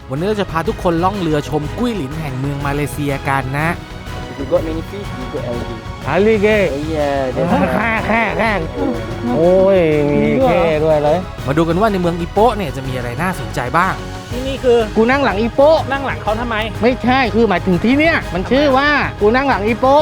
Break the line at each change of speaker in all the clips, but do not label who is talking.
วันนี้เราจะพาทุกคนล่องเรือชมกุ้ยหลินแห่งเมืองมาเลเซียกันนะ
You got many fish, you got algae.
อาลีเก้
Yeah, that's
แค่โอ้ยมีแค่ด้วยเลย
มาดูกันว่าในเมืองอิโปะเนี่ยจะมีอะไรน่าสนใจบ้าง
ที่นี่คือ
กูนั่งหลังอีโปะ
นั่งหลังเขาทำไม
ไม่ใช่คือหมายถึงที่เนี้ยมันชื่อว่ากูนั่งหลังอีโปะ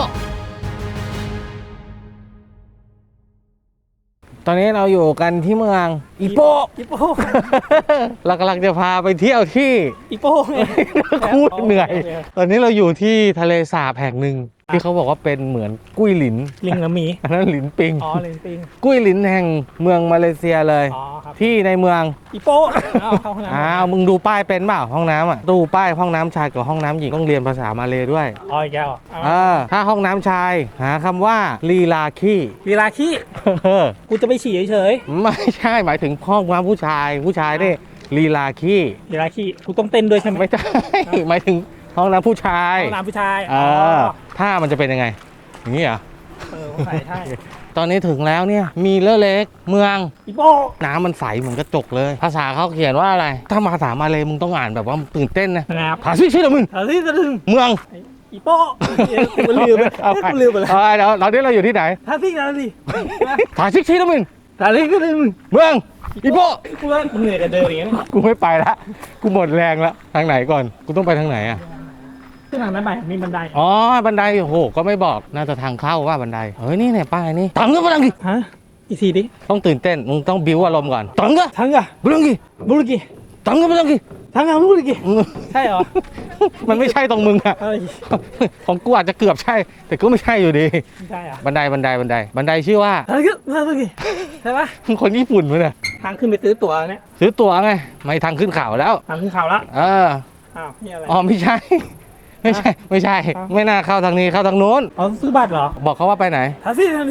ตอนนี้เราอยู่กันที่เมืองอีโปะ
อีโป้
เรากำลังจะพาไปเที่ยวที่
อีโป้ไง
คูดเหนื่อย ตอนนี้เราอยู่ที่ทะเลสาบแห่งหนึ่งที่เขาบอกว่าเป็นเหมือนกุ้ยหลิน
ลิงกับหมี
อันนั้นหลินปิง
อ๋อลิงปิง
กุ้ยหลินแห่งเมืองมาเลเซียเลย
อ๋อครับ
ที่ในเมือง
อีโป้เอาเข้าห้องน้ำ
อ้าวมึงดูป้ายเป็นเปล่าห้องน้ำอ่ะดูป้ายห้องน้ำชายกับห้องน้ำหญิงต้องเรียนภาษามาเลยด้วย
อ๋ออีกแล้วเอา
ถ้าห้องน้ำชายหาคำว่าลีลาขี้
เวลาขี้กูจะไปฉี่เฉย
ไม่ใช่หมายถึงห้องน้ำผู้ชายนี่ลีลาขี้
ๆเวลาขี้กูต้องเต้นด้วยใช่ไหม
ไม่ใช่ หมายถึงห้องน้ำผู้ชาย
ห้องน้ำผู้ชาย
ถ้ามันจะเป็นยังไงอย่างนี้เหรอ
ใส่ใช่
ตอนนี้ถึงแล้วเนี่ยมีเลอเล็กเมือง
อีโป้
น้ำมันใสเหมือนกระจกเลย ภาษาเขาเขียนว่าอะไร ถ้าภาษามาเลยมึงต้องอ่านแบบว่าตื่นเต้นนะ
นะครับ
ภาษาชื่อมึง
เอาที่จะถึง
เมือง
อีโป้กูลืมไป
เอาไป
กูลืมไปแล้ว
เดี๋ยวเราที่เราอยู่ที่ไหน
ท่าที่นั่นดิ
ภาษาชื่อมึง
ท่าที่ก็ลืม
เมืองอีโป
กูว่าเหนื่อยกับเดินอย่างเงี้ย
กูไม่ไปละกูหมดแรงละทางไหนก่อนกูต้องไปทางไหนอ่ะ
ขึ้นทางนั้นไปมีบันได
อ๋อบันไดโอ้โหก็ไม่บอกน่าจะทางเข้าว่าบันไดเฮ้ยนี่เนี่ยป้ายนี่ตังก็บังดิ
ฮะอีกทีดิ
ต้องตื่นเต้นมึงต้องบิ้วอารมณ์ก่อนตังก็
ทั้งอะ
บังดิ
บุรุกิ
ตังก็บังดิ
ทั้งอะบุรุกิใช่เหรอ
มันไม่ใช่ตรงมึงอะ
เอ้ย
ของกูอาจจะเกือบใช่ แต่ก็ไม่ใช่อยู่ดี
ไม่ใช่เหรอ
บันไดชื่อว่า
ทั้งก็บุรุกิใช่ปะ
มึงคนญี่ปุ่นมั้ยเนี่ย
ทางขึ้นไปซื้อตั๋วเนี่ย
ซื้อตั๋วไงไม่ทางขึ้นเขาแล้ว
ทางขึ้นเขาแล้ว
เออ
อ้าวนี่อะไร
อ๋อไม่ใช่ ไม่ใช่ ไม่น่าเข้าทางนี้เข้าทางโน้น
อ๋อซื้อบัตรเหรอ
บอกเขาว่าไปไหน
ทัซี่ทันที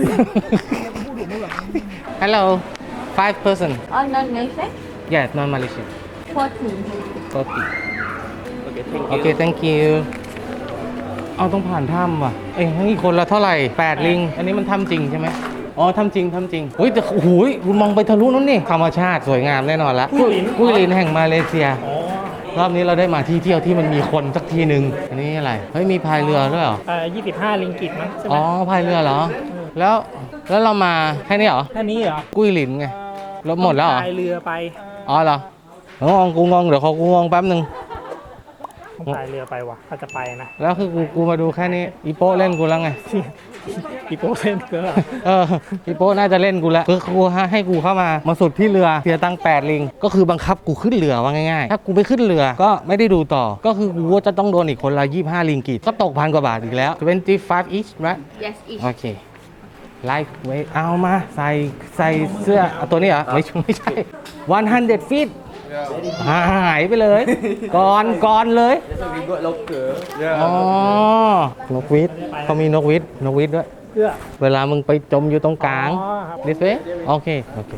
Hello 5 person
Oh, non Malaysian?
yes non Malaysian
14.
okay okay thank you เอาต้องผ่านถ้ำว่ะเอ้ยนี่คนละเท่าไหร่8ลิงอันนี้มันถ้ำจริงใช่ไหมอ๋อถ้ำจริงเฮ้ยแต่โอ้โหคุณมองไปทะลุนู้นนี่ธรรมชาติสวยงามแน่นอนละกุ้ยหลินแห่งมาเลเซีย
อ๋อ
รอบนี้เราได้มาที่เที่ยวที่มันมีคนสักทีหนึ่งอันนี้อะไร เฮ้ยมีพายเรือด้วยเหรอ
25 ลิงกิตมั้งใช่ไหม
อ๋อพายเรือเหรอ แล้วเรามาแค่นี้เหรอ
แค่นี้เหรอ
กุ้ยหลินไงแล้วหมดแล้วเหรอ
พายเรือไป
อ๋อเหรอกูงงเดี๋ยวขอกูงงแป๊บหนึ่ง
ต้องพายเรือไปว่ะถ้าจะไปนะ
แล้วคือกูมาดูแค่นี้อีโป้เล่นกูแล้วไง
อีโป้เส้นเกลือ
อีโป้น่าจะเล่นกูแล้วคือกูให้กูเข้ามาสุดที่เรือเสียตังค์8ลิงก็คือบังคับกูขึ้นเรือว่าง่ายๆถ้ากูไปขึ้นเรือก็ไม่ได้ดูต่อ ก็คือกูจะต้องโดนอีกคนละ25ลิงกิตก็ตก1,000 กว่าบาทอีกแล้ว25 each right
Yes, each.
โอเคไลฟ์ไว้เอามาใส่เสื้อเอาตัวนี้เหรอไม่ใช่100 feet หายไปเลยก่อนเลย
why we got locker.
อ๋อนกหวีดเขามีนกหวีดด้วย
เพื่อ
เวลามึงไปจมอยู่ตรงกลาง
อ๋อครับ
this way โอเค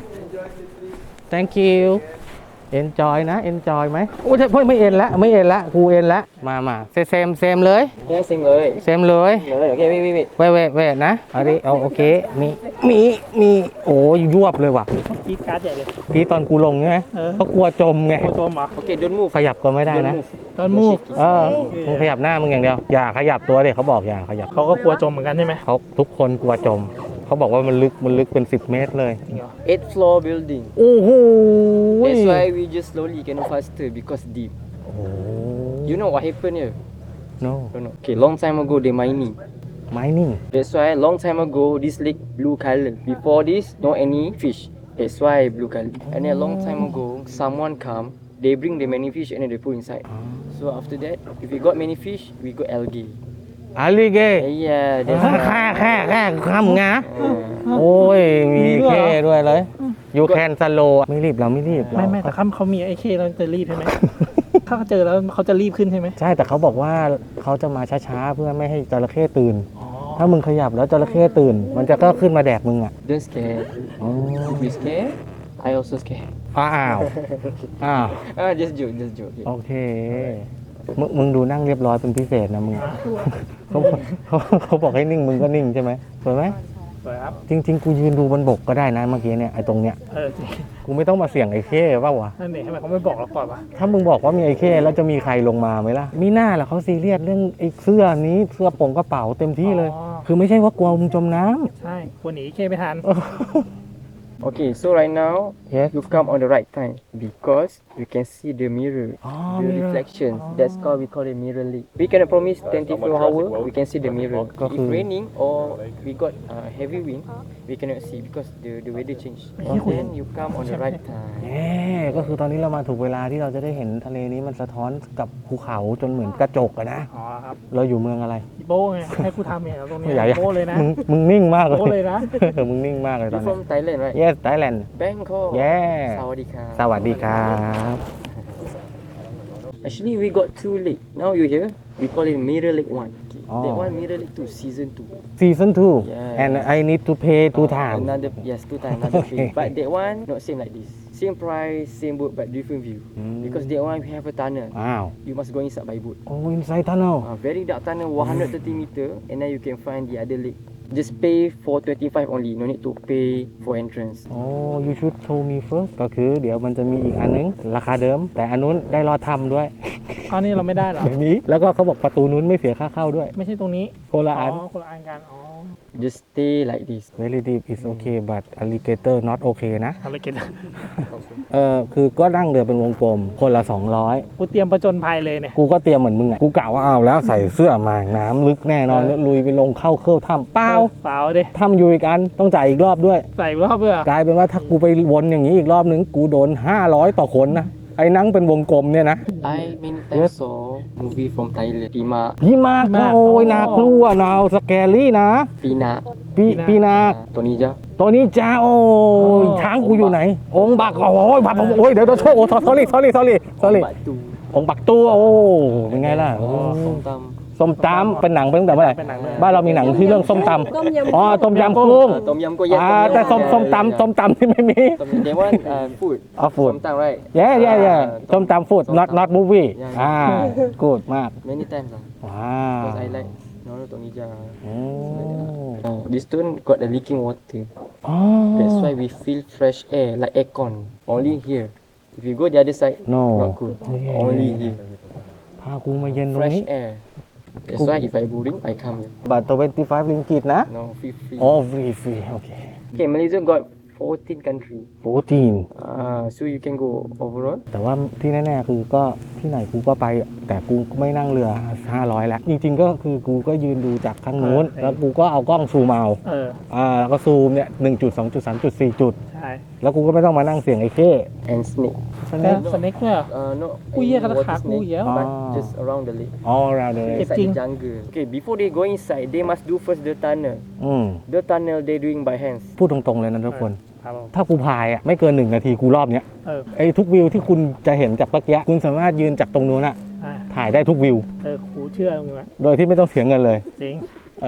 thank you enjoy นะ enjoy ไหมโอ้ยไม่เอ็นละกูเอ็นละมาเซมเลย
Yeah, sameเลย
เซมเลย
Okay, wait.
เวทนะเอาดิเอาโอเคมีโอ้ยยวบเลยว่ะ
กีดการ์ดใหญ่เลย
พี่ตอนกูลงใช่ไหม
เออ
เขากลัวจมไง
โคตรเหรอ
Okay, don't move.
ขยับก็ไม่ได้นะ
ตอนมูก
มึงขยับหน้ามึงอย่างเดียว อย่าขยับตัวเด็เขาบอกอย่าขยับ
เขาก็กลัวจมเหมือนกันใช่ไหม
เขาทุกคนกลัวจม เขาบอกว่ามันลึกเป็น10 เมตรเลย
8th floor building.
โอ้โห
That's why we just slowly cannot faster because deep.
โอ้โห
You know what happened here?
no
Don't know. Okay, long time ago they mining.
mining
That's why long time ago this lake blue color. Before this, no any fish. That's why blue color. And then long time ago, someone come, they bring the many fish and then they put inside. So after that, if we got many fish, we got algae.
อาลีเก้
Yeah, that's
แค่ข้ามงา
uh,
โอ้ยมีแค่ด้วยเลย you can slow ไม่รีบเราไม่รีบ
ไม่แต่เขามีไอ้เคแล้วจะรีบใช่ไหม ถ้าเขาเจอแล้วเขาจะรีบขึ้นใช่ไหม
ใช่แต่เขาบอกว่าเขาจะมาช้าๆเพื่อไม่ให้จระเข้ตื่น
อ๋อ
ถ้ามึงขยับแล้วจระเข้ตื่น มันจะก็ขึ้นมาแดกมึงอ่ะ
don't scare.
อ๋อ
Be scared. I also scared.
อ้าว
Just joke, just joke.
โอเค มึงดูนั่งเรียบร้อยเป็นพิเศษนะมึงเขาบอกให้นิ่งมึงก็นิ่งใช่ไหมสวยไหม
สวยครับ
จริง ๆ กูยืนดูบนบกก็ได้นะเมื่อกี้เนี่ยไอ้ตรงเนี้ย
จริง
กูไม่ต้องมาเสี่ยงไอ้เข้เปล่าวะ
นั่นเองทำไมเขาไม่บอกเราก่อนวะ
ถ้ามึงบอกว่ามีไอ้เข้แล้วจะมีใครลงมาไหมล่ะมีหน้าล่ะเขาซีเรียสเรื่องไอ้เสื้อนี้เสื้อโปร่งกระเป๋าเต็มที่เลย คือไม่ใช่ว่ากลัวมึงจมน้ำ
ใช่ควรหนีเคไม่ทัน
Okay, so right now
Yes.
you come on the right time because you can see the mirror,
Oh,
the
mirror.
reflections. That's called we call it mirror lake. We cannot promise 24 hours. We can see the mirror.
Có
If
khi-
raining or we got heavy wind, we cannot see because the weather change. Then you come on the right time.
เย้ก็คือตอนนี้เรามาถูกเวลาที่เราจะได้เห็นทะเลนี้มันสะท้อนกับภูเขาจนเหมือนกระจกอะนะ
อ๋อครับ
เราอยู่เมืองอะไร
อีโบ้ไงให้กูทำเนี่ยตรงนี้
ใหญ่
โบ้เลยนะ
มึงนิ่งมากเลย
โบ้เลยนะ
มึงนิ่งมากเลยตอ
You
นนี้
from Thailand, right?
Yes Thailand
Bangkok.
Yeah.
Sawadika.
สวัสดีครับ
Actually, we got 2 lake. Now you here. We call it Mirror Lake 1. Okay.
Oh.
That one Mirror Lake 2, season 2.
Season 2
Yeah.
and I need to pay 2 times
Another, yes, 2 times another
Okay.
fee. But that one not same like this. Same price, same boat, but different view. Because that one we have a tunnel.
อ้าว
You must go inside by boat.
โอ้ inside tunnel
Very dark tunnel, 130 meter, and then you can find the other lake. Just pay for 25 only. No need to pay for entrance.
โอ้ you should show me first ก็คือเดี๋ยวมันจะมีอีกอันนึง ราคาเดิม แต่อันนู้นได้รอดทำด้วย
ตอนนี้เราไม่ได้เหรอ
แบบนี้ แล้วก็เขาบอกประตูนู้นไม่เสียค่าเข้าด้วย
ไม่ใช่ตรงนี้
โคละอัน
คนละอันกันอ๋อ
Just stay like this.
very deep is okay but alligator not okay นะ
อะไรกัน
คือก็นั่งเรือเป็นวงกลม คนละ
กูเตรียมประจนภัยเลยเนี่ย
200 กูก็เตรียมเหมือนมึงอ่ะ กูกะว่าเอาแล้วใส่เสื้อมาน้ำลึกแน่นอนแล้วลุยไปลงเข้าเครื่องถ้ำเปล่า
เปล่าดิ
ถ้ำอยู่อีกอันต้องจ่ายอีกรอบด้วย
ใส่รอบเพื่อก
ลายเป็นว่าถ้ากูไปวนอย่างนี้อีกรอบนึง กูโดน 500 ต่อคนนะ ไอ้นั่งเป็นวงกลมเนี่ยนะ
I many times saw movie from Thailand. Pima,
พี่มากนะโอ้ยน่ากลัวนาวสแกรี่นะ
Pina,
พี่นา
Tonija.
ตัวนี้จ้าโอ้ยช้างกูอยู่ไหน องค์บักโอ้ยบักโอ้ยเดี๋ยวโชว์โอ้ sorry
Ombak tu.
องค์บักตัวโอ้เป็นไงล่ะ
Somtam.
ส้มตำเป็นหนังเป็นตั้งแต่เมื่อไหร่
เป็นหนังเลย
บ้านเรามีหนังที่เรื่องส้มต
ต้มยำ
ำอ๋อต้มยำกุ้ง
Tom yum ko yes.
แต่ส้มตำที่ไม่มี
That one food.
อ๋อ food
Somtam right?
เย่ส้มตำ food not movie อ่า good มาก
Many times lah.
ว้าว
Because I like Tonija.
โอ้
This stone got the leaking water.
อ๋อ
That's why we feel fresh air like aircon. Only here. If you go the other side,
No.
not good.
Yeah.
Only here.
พากูมาเย็นตรง
Fresh
นี้
air. That's why if I boring, I come here.
บัตร25 ริงกิตนะ
No, free.
โอ้ฟรีโอเค
Okay, Malaysia got 14 country.
14
So you can go overall.
แต่ว่าที่แน่ๆคือก็ที่ไหนกูก็ไป แต่กูไม่นั่งเรือ 500 แล้ว จริงๆก็คือกูก็ยืนดูจากข้างนู้น แล้วกูก็เอากล้องซูมเอา แล้วก็ซูมเนี่ย1จุด2จุด3จุด4จุด
ใช่
แล้วกูก็ไม่ต้องมานั่งเสียงไอ้เข้
And snake.
สเน็กเนี่ย
No,
Ui, ya,
any
kata
water
kaku
snake,
ya.
but
Ah.
just around the lake.
all around the lake
Inside
Kecing.
the jungle. Okay, before they go inside, they must do first the tunnel.
อืม
The tunnel they doing by hands.
พูดตรงๆเลยนะทุกคน
ครับผม
ถ้ากูพายอ่ะไม่เกิน1 นาทีกูรอบเนี้ย ไอ้ทุกวิวที่คุณจะเห็นจากเมื่อกี้คุณสามารถยืนจากตรงนู้นอะ
อ่า
ถ่ายได้ทุกวิว
กูเชื่อมึงละ
โดยที่ไม่ต้องเสียเงินเลย
จริง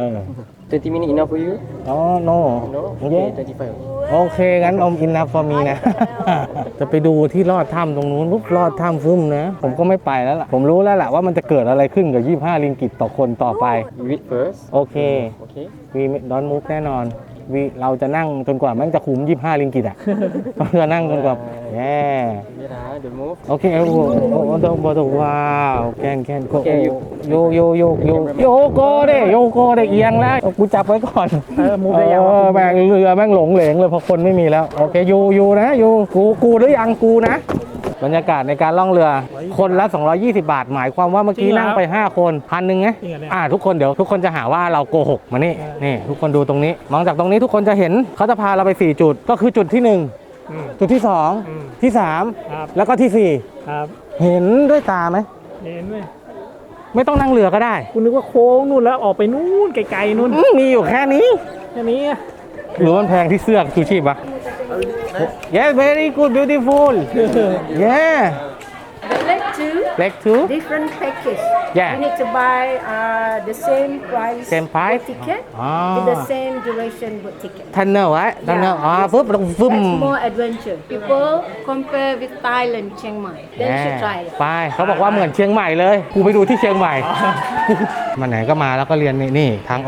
20 minutes enough for you?
อ๋อ no
No?
เย้
Okay, 25.
โอเค งั้นอมอินนับฟอร์มีนะ จะไปดูที่ลอดถ้ำตรงนู้นปุ๊บลอดถ้ำฟึ่มนะ ผมก็ไม่ไปแล้วล่ะ ผมรู้แล้วล่ะว่ามันจะเกิดอะไรขึ้นกับ 25 ริงกิตต่อคนต่อไป
You eat first.
โอเค
Okay.
วีดอนมุกแน่นอนเราจะนั่งจนกว่าแม่งจะคุ้ม25 ริงกิตอ่ะ เราจะนั่งจนกว่าแย่
Yeah, don't move.
โอเคโอ้โหว้าวแคนโก
โอเคอยู่
โยโกเด้เอียงแล้วกูจับไว้ก่อน
มูฟได้ยังวะ
แม่งเรือแม่งหลงเหลงเลยเพราะคนไม่มีแล้ว โอเคอยู่นะกูหรือยังกูนะ บรรยากาศในการล่องเรือ คนละ 220 บาท หมายความว่าเมื่อกี้นั่งไป 5 คน1,000ไง
จริงเหรอเนี่ย
ทุกคนเดี๋ยวทุกคนจะหาว่าเราโกหกมานี่ทุกคนดูตรงนี้ มองจากตรงนี้ทุกคนจะเห็นเขาจะพาเราไป 4 จุด ก็คือจุดที่
อืม
1 จุดที่ 2 ที่
ครับ
3 แล้วก็ที่
ครับ
4 เห็นด้วยตาไหม
เห็นไหม
ไม่ต้องนั่งเรือก็ได้
กูนึกว่าโค้งนู่นแล้วออกไปนู่นไกลๆนู่น
มีอยู่แค่นี้
แค่นี้อะ
หรือมันแพงที่เสื้อชูชีพปะ Yes very good beautiful Yeah
The leg two,
leg two
different package.
Yeah.
You need to buy the same price,
Same price?
boat ticket
Ah.
with the same duration boat ticket.
ทันเนอร์ไว้ทันเนอร์ปุ๊บลงฟึ่ม
That's more adventure. People compare with Thailand, Chiang Mai. Then you should try it.
ไปเขาบอกว่าเหมือนเชียงใหม่เลยกูไปดูที่เชียงใหม่ มาไหนก็มาแล้วก็เรียนนี่ทางออก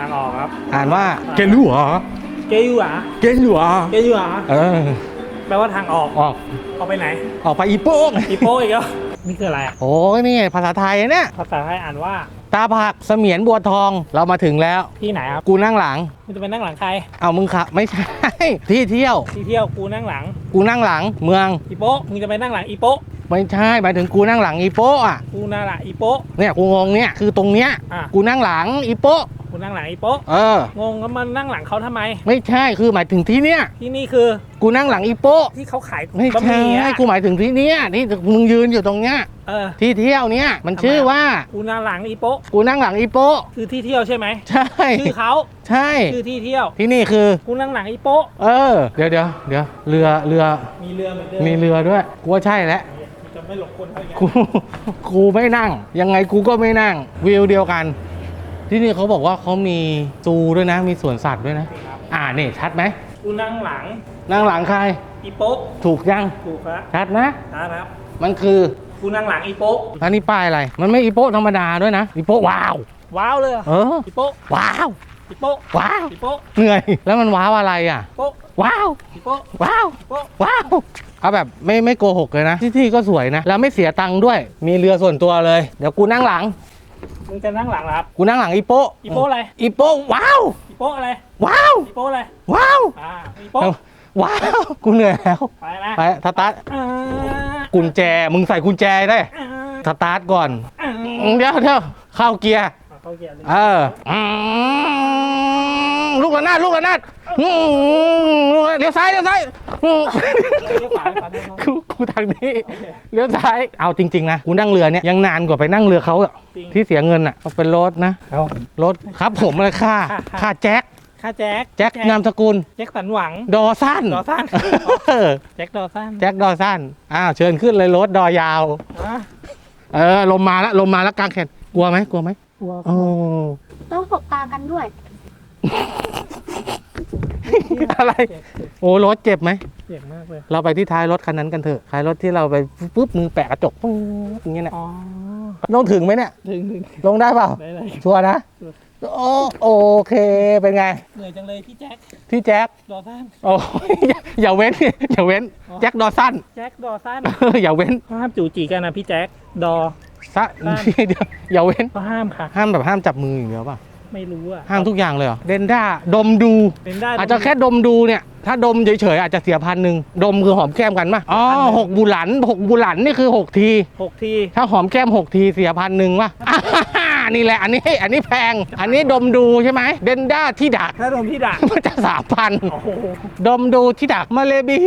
างออกครับ
อ่านว่าเกลัว
เกยูหรอ
เกลัว
เกยูหรอ
เออ
แปลว่าทางออก
ออก
ออกไปไหน
ออกไปอีโป้ง
อีโป้อีกแล้วนี่คืออะไรอะ
โอ้ยนี่ภาษาไทยเนี่ย
ภาษาไทยอ่านว่า
ตาผักเสมียนบัวทองเรามาถึงแล้ว
ที่ไหนครับ
กูนั่งหลัง
มันจะเป็นนั่งหลังใคร
เอามึงขับไม่ใช่ ที่เที่ยว
ที่เที่ยวกูนั่งหลัง
กูนั่งหลังเมือง
อีโป้มึงจะไปนั่งหลังอีโป้
ไม่ใช่หมายถึงกูนั่งหลังอีโป้อะ
กูนั่งหลังอีโป้
เนี่ยกูงงเนี่ยคือตรงเนี้ย
อ่ะ
กูนั่งหลังอีโป้
กูนั่งหลังอีโป้
เออ
งงแล้วมันนั่งหลังเขาทำไม
ไม่ใช่คือหมายถึงที่เนี้ย
ที่นี่คือ
กูนั่งหลังอีโป้
ที่เขาขาย
ไม่
บะห
ใช่
มี่อะ
กูหมายถึงที่เนี้ยที่มึงยืนอยู่ตรงเนี้ย
เออ
ที่เที่ยวเนี้ยมันชื่อว่า
กูนั่งหลังอีโป้
กูนั่งหลังอีโป้
คือที่เที่ยวใช่ไหม
ใช่
ชื่อเขา
ใช่
คือที่เที่ยว
ที่นี่คือ
กูนั่งหลังอีโป้
เออเดี๋ยวเรือ
มีเรือเหมือนเดิม
มีเรือด้วยกูว่าใช่แล้ว
จะไม่หลบคนเขาอย่างเงี้ย
กูไม่นั่ง ยังไงกูก็ไม่นั่งวิวเดียวกัน ที่นี่เขาบอกว่าเขามีซูด้วยนะ มีสวนสัตว์ด้วยนะ นี่ชัดไหม
กูนั่งหลัง
นั่งหลังใคร
อีโป้
ถูกยัง
ถูกครับ
ชัดนะ
นะครับ
มันคือ
กูนั่งหลังอีโป้
อันนี้ป้ายอะไร มันไม่อีโป้ธรรมดาด้วยนะอีโป้ว้าว
ว้าวเลยเหรอ
เออ
อีโป้
ว้าว
อีโป้
ว้าว
อีโป้
เหนื่อยแล้วมันว้าวอะไรอ่ะ
อีโป้
ว้าว
อีโป้
ว้าว
อีโป้
ว้าวเอาแบบไม่โกหกเลยนะที่ก็สวยนะแล้วไม่เสียตังค์ด้วย มีเรือส่วนตัวเลย เดี๋ยวกูนั่งหลัง
มึงจะนั่งหลังเหรอครับ
กูนั่งหลังอีโป้
อีโป้อะไร
อีโป้ว้าว
อีโป้อะไร
ว้าว
อีโป้อะไร
ว้าว
อีโป้
ว้าว กูเหนื่อยแล้ว
ไปนะ
ไปสตาร์ท
อ่า
กุญแจ มึงใส่กุญแจได้
อ่า
สตาร์ทก่อน
อ่า
เดี๋ยวเข้าเกียร์
เข้าเกียร์เลย
เออลูกระนาดเลี้ยวซ้ายอืม
เลี้ยวขวาขวาเลี้ยวซ้าย
กูทางนี้เลี้ยวซ้าย เอาจริงๆนะ กูนั่งเรือเนี่ยยังนานกว่าไปนั่งเรือเขาอะ
จริง
ที่เสียเงินอะเป็นรถนะ
เอา
รถครับผมเลยค่าแจ็ค
ค่าแจ็ค
แจ็คนามสกุล
แจ็คสันหวัง
ดอสั้น
ดอสั้น
เออ
แจ็คดอสัน
แจ็คดอสั้นเชิญขึ้นเลยรถดอยาว
อ่ะ
ลมมาแล้วกลางแขนกลัวไหม
กลัว
โอ้
ต้องสบตากันด้วย
อะไร โอ้รถเจ็บไหม
เจ็บมากเลย
เราไปที่ท้ายรถคันนั้นกันเถอะท้ายรถที่เราไปปุ๊บมือแปะกระจกปุ๊บอย่างเงี้ยนะ
อ๋อ
ต้องถึงไหมเนี่ย
ถึง
ลงได้เปล่า
ได้เลย
ชัวร์นะโอเคเป็นไง
เหนื่อยจังเลยพี่แจ็ค
ที่แจ็ค
ดอสัน
โอ้ยอย่าเว้นแจ็คดอสั้น
แจ็คดอสัน
อย่าเว้น
ห้ามจู่จีกันนะพี่แจ็คดอ
ซะเดี๋ยวอย่าเว้น
ก็ห้ามค่ะ
ห้ามแบบห้ามจับมืออย่างเดียวป่ะ
ไม่รู้อะ
ห้ามทุกอย่างเลยเหรอเดนด้าดมดู
เป็นได้
อาจจะแค่ดมดูเนี่ย ถ้าดมเฉยๆอาจจะเสีย1,000ดมคือหอมแก้มกันป่ะอ๋อ6 บุหลันนี่คือ6 ที
6 ที
ถ้าหอมแก้ม6 ทีเสีย1,000ป่ะนี่แหละอันนี้แพง อันนี้ดมดูใช่ไหมเดนด้าที่ดัก
ถ้าโดนพี่ด่า
มันจะ
โอ้โห
3,000ดมดูที่ดักมาเลบี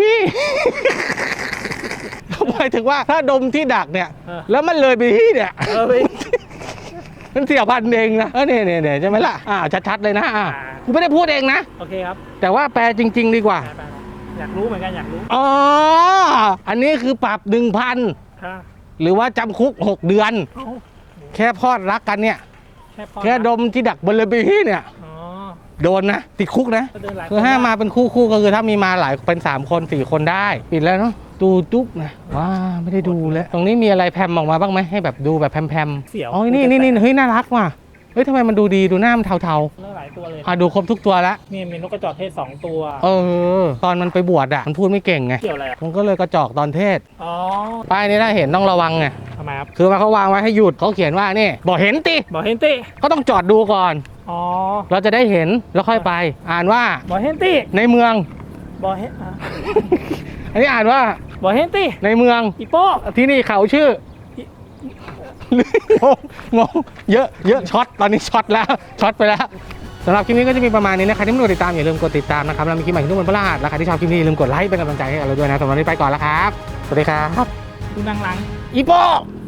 หมายถึงว่าถ้าดมที่ดักเนี่ยแล้วมันเลยบีเนี่ย
ไป
มันเสีย1,000เองนะเนี่ยใช่ไหมล่ะชัดๆเลยนะกูไม่ได้พูดเองนะ
โอเคครับ
แต่ว่าแปลจริง ๆ ดีกว่า
ไปอยากรู้เหมือนกันอยากรู้
อ๋อ อันนี้คือปรับ 1,000
ค่ะ
หรือว่าจำคุก 6 เดือน
เอ้า
แค่พอดรักกันเนี่ย
พอ
แค่ดมที่ดักบนระเบียเนี่ย
อ๋อ
โดนนะ ติดคุกนะ
ก็เดินหลาย
คือห้ามมาเป็นคู่ก็คือถ้ามีมาหลายเป็น3 คน 4 คนได้ ปิดแล้วเนาะดูจุ๊บนะว้าไม่ได้ดูแล้ว ตรงนี้มีอะไรแพมออกมาบ้างไหมให้แบบดูแบบแพม
เสียว
อ๋อนี่เฮ้ยน่ารักว่ะเฮ้ยทำไมมันดูดีดูหน้ามันเทา
เลือกหลายตัวเลย
ๆดูครบทุกตัวแล้ว
นี่มีนกกระจอกเทศ2 ตัว
ตอนมันไปบวชอ่ะมันพูดไม่เก่งไง
เกี่ยวอะไรอ่ะ
มันก็เลยกระจอกตอนเทศ
อ๋อ
ป้ายนี้ถ้าเห็นต้องระวังไง
ทำไมครับ
คือว่าเขาวางไว้ให้หยุดเขาเขียนว่านี่บอกเห็นติ
บอกเฮนตี้
ก็ต้องจอดดูก่อน
อ๋อ
เราจะได้เห็นแล้วค่อยไป อ่านว่า
บอกเฮนตี้
ในเมือง
บอกเฮน
อันนี้อ่านว่า
บอกเฮนตี้
ในเมือง
อีโป้
ที่นี่เขาชื่องงเยอะช็อตตอนนี้ช็อตแล้วช็อตไปแล้วสำหรับคลิปนี้ก็จะมีประมาณนี้นะใครที่ไม่กดติดตามอย่าลืมกดติดตามนะครับเรามีคลิปใหม่ทุกวันพฤหัสและใครที่ชอบคลิปนี้อย่าลืมกดไลค์เป็นกำลังใจให้เราด้วยนะสำหรับวันนี้ไปก่อนแล้วครับสวัสดีครับ
ดูนางหลัง
อีโป้